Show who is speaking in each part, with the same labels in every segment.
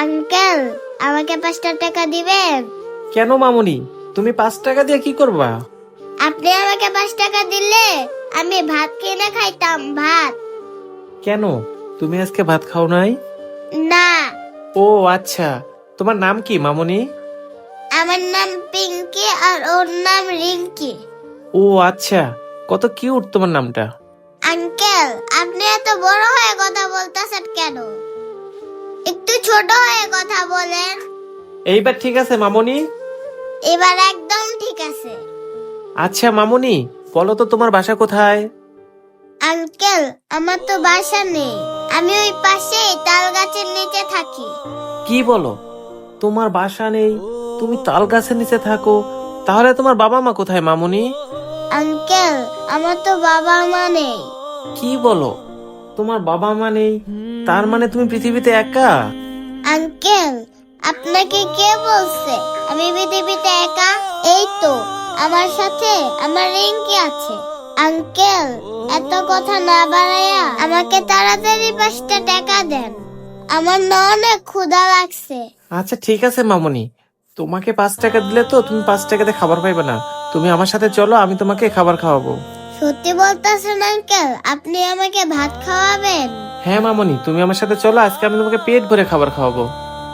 Speaker 1: Uncle, আমাকে 5 টাকা দিবেন?
Speaker 2: কেন মামুনি, তুমি 5 টাকা দিয়ে কি করবা?
Speaker 1: আপনি আমাকে 5 টাকা দিলে আমি ভাত কিনে খাইতাম, ভাত।
Speaker 2: কেন, তুমি আজকে ভাত খাও নাই?
Speaker 1: না,
Speaker 2: ও আচ্ছা, তোমার নাম কি মামুনি?
Speaker 1: আমার নাম পিঙ্কি আর ওর নাম রিঙ্কি।
Speaker 2: ও আচ্ছা, কত কিউট তোমার নামটা।
Speaker 1: আঙ্কেল, আপনি এত বড় হয়ে কথা বলতেছেন কেন? একটু ছোট হয়ে কথা বলেন।
Speaker 2: এইবার ঠিক আছে মামুনি?
Speaker 1: এবার একদম ঠিক আছে।
Speaker 2: আচ্ছা মামুনি, বলো তো তোমার বাসা কোথায়?
Speaker 1: আঙ্কেল, আমার তো বাসা নেই, আমি ওই পাশে তাল গাছের নিচে থাকি।
Speaker 2: কি বলো, তোমার বাসা নেই, তুমি তাল গাছের নিচে থাকো? তাহলে তোমার বাবা মা কোথায় মামুনি?
Speaker 1: আঙ্কেল, আমার তো বাবা মা নেই।
Speaker 2: কি বলো, তোমার বাবা মা নেই? তার মানে তুমি পৃথিবীতে একা?
Speaker 1: আঙ্কেল, আপনাকে কে বলছে আমি পৃথিবীতে একা? এই তো, আমার সাথে আমার রিঙ্কি আছে। আঙ্কেল, এত কথা না বাড়াইয়া আমাকে তাড়াতাড়ি 5 টাকা দেন, আমার না অনেক ক্ষুধা লাগছে।
Speaker 2: আচ্ছা ঠিক আছে মামুনি, তোমাকে 5 টাকা দিলে তো তুমি 5 টাকাতে খাবার পাইবে না। তুমি আমার সাথে চলো, আমি তোমাকে খাবার খাওয়াবো।
Speaker 1: সত্যি বলতেছেন আঙ্কেল? আপনি আমাকে ভাত খাওয়াবেন?
Speaker 2: হ্যাঁ মামুনি, তুমি আমার সাথে চলো, আজকে আমি তোমাকে পেট ভরে খাবার খাওয়াবো।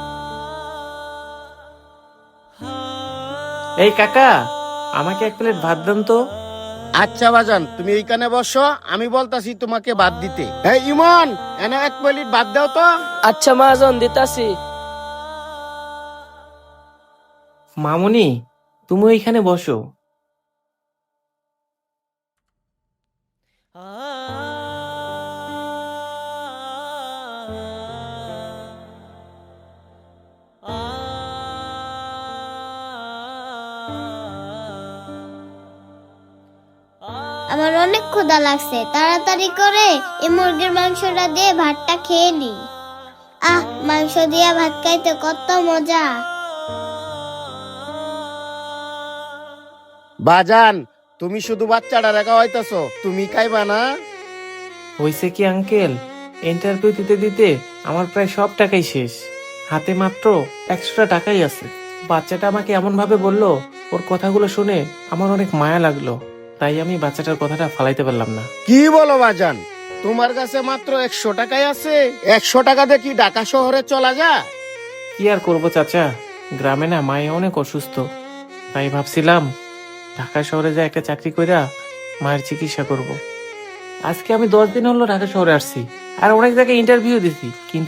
Speaker 2: এই কাকা, আমাকে 1 প্লেট ভাত দেন তো।
Speaker 3: আচ্ছা বাজান, তুমি এইখানে বসো, আমি বলতাছি তোমাকে ভাত দিতে। এই ইমন, এনে 1 প্লেট ভাত দাও তো।
Speaker 4: আচ্ছা মহাজন, দিতাছি।
Speaker 2: মামুনি, তুমি ওইখানে বসো।
Speaker 1: আমার অনেক ক্ষুধা লাগছে, তাড়াতাড়ি করে এই মুরগির মাংসটা দিয়ে ভাতটা খেয়ে নি। আহ, মাংস দিয়ে ভাত খাইতে কত মজা।
Speaker 3: বাজান, তুমি শুধু বাচ্চাটা রেখা হইতাছো, তুমি খাইবা না?
Speaker 2: হয়েছে কি আঙ্কেল, ইন্টারভিউ দিতে দিতে আমার প্রায় সব টাকাই শেষ, হাতে মাত্র 100 টাকাই আছে। বাচ্চাটা আমাকে এমন ভাবে বললো, ওর কথাগুলো শুনে আমার অনেক মায়া লাগলো, তাই আমি বাচ্চাটার কথাটা ফালাইতে পারলাম না।
Speaker 3: কি বলো বাজান, তোমার কাছে মাত্র 100 টাকাই আছে? 100 টাকা দিয়ে কি ঢাকা শহরে চলা যায়?
Speaker 2: কি আর করবো চাচা, গ্রামে না মায়ে অনেক অসুস্থ, তাই ভাবছিলাম ঢাকা শহরে যা একটা চাকরি কইরা মায়ের চিকিৎসা করব। আজকে আমি 10 দিন হলো ঢাকা শহরে আসছি, আর অনেক জায়গায় ইন্টারভিউ দিছি, কিন্তু